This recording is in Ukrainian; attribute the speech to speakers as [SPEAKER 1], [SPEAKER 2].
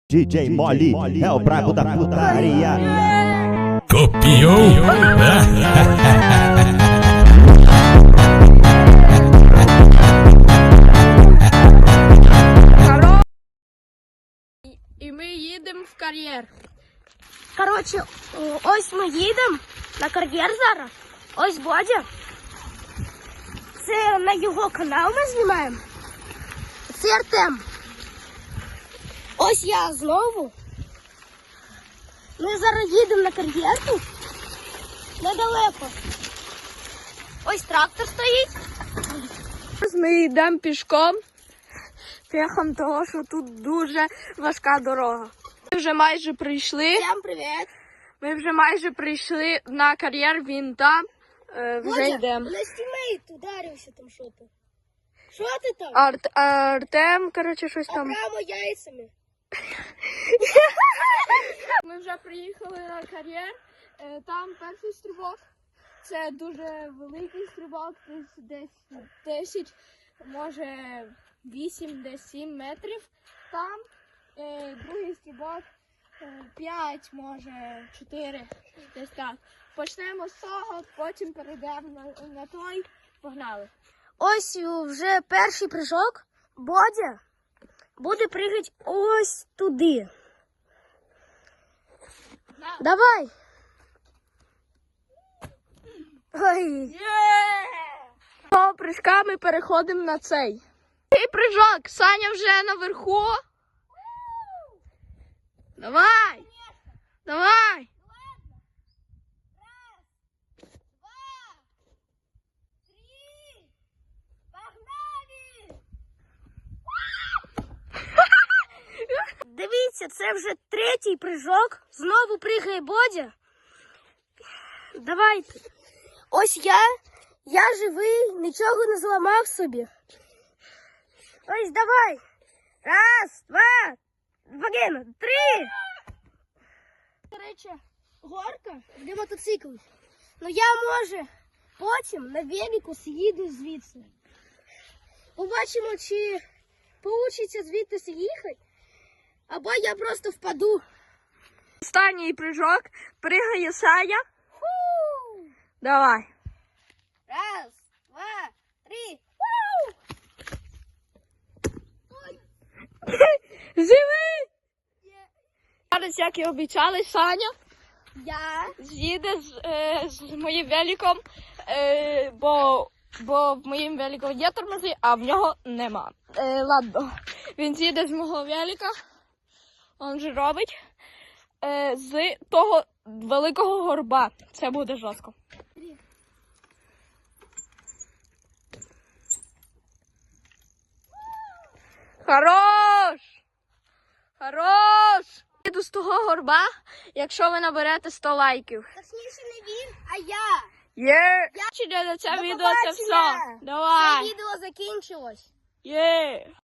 [SPEAKER 1] DJ Mole é o brabo da putaria.
[SPEAKER 2] Copiou?
[SPEAKER 3] І ми їдемо в кар'єр.
[SPEAKER 4] Коротше, ось ми їдемо на кар'єр зараз. Ось Бодя. Це на його канал ми знімаємо. Це Артем. Ось я знову. Ми зараз їдемо на кар'єр тут. Недалеко. Ось трактор стоїть.
[SPEAKER 3] Ми йдемо пішком. Пехом того, що тут дуже важка дорога. Ми вже майже прийшли.
[SPEAKER 4] Всім привіт.
[SPEAKER 3] Ми вже майже прийшли на кар'єр, він там. Вже йдемо.
[SPEAKER 4] На стімейт ударився там що-то. Що ти там?
[SPEAKER 3] Артем, коротше, щось там.
[SPEAKER 4] Прямо яйцями.
[SPEAKER 3] Ми вже приїхали на кар'єр. Там перший стрибок. Це дуже великий стрибок, десь 10, може 8, десь 7 метрів. Там другий стрибок 5, може 4, десь так. Почнемо з того, потім перейдемо на той. Погнали.
[SPEAKER 4] Ось вже перший прыжок. Бодя буде пригати ось туди. Давай. Ой.
[SPEAKER 3] Того прыжка ми переходимо на цей. Цей прыжок, Саня вже наверху. Давай. Давай.
[SPEAKER 4] Дивіться, це вже третій прыжок. Знову пригає Бодя. Давайте. Ось я живий, нічого не зламав собі. Ось давай. Раз, два, один, три. До речі, горка для мотоциклів. Ну я, може, потім на велику з'їду звідси. Побачимо, чи вийде звідти з'їхати. Або я просто впаду.
[SPEAKER 3] Останній прыжок. Пригає Саня. Давай.
[SPEAKER 4] Раз, два, три.
[SPEAKER 3] Живи! Зараз, як і обіцяли, Саня
[SPEAKER 4] Я.
[SPEAKER 3] з'їде з моїм великом, бо в моїм велику є тормози, а в нього нема. Ладно. Він з'їде з мого велика, він же робить, з того великого горба. Це буде жорстко. Хорош! Хорош! Їду з того горба, якщо ви наберете 100 лайків.
[SPEAKER 4] Точніше не він, а я.
[SPEAKER 3] Є! До це
[SPEAKER 4] До
[SPEAKER 3] відео це все.
[SPEAKER 4] побачення!
[SPEAKER 3] Давай!
[SPEAKER 4] Це відео закінчилось.
[SPEAKER 3] Є!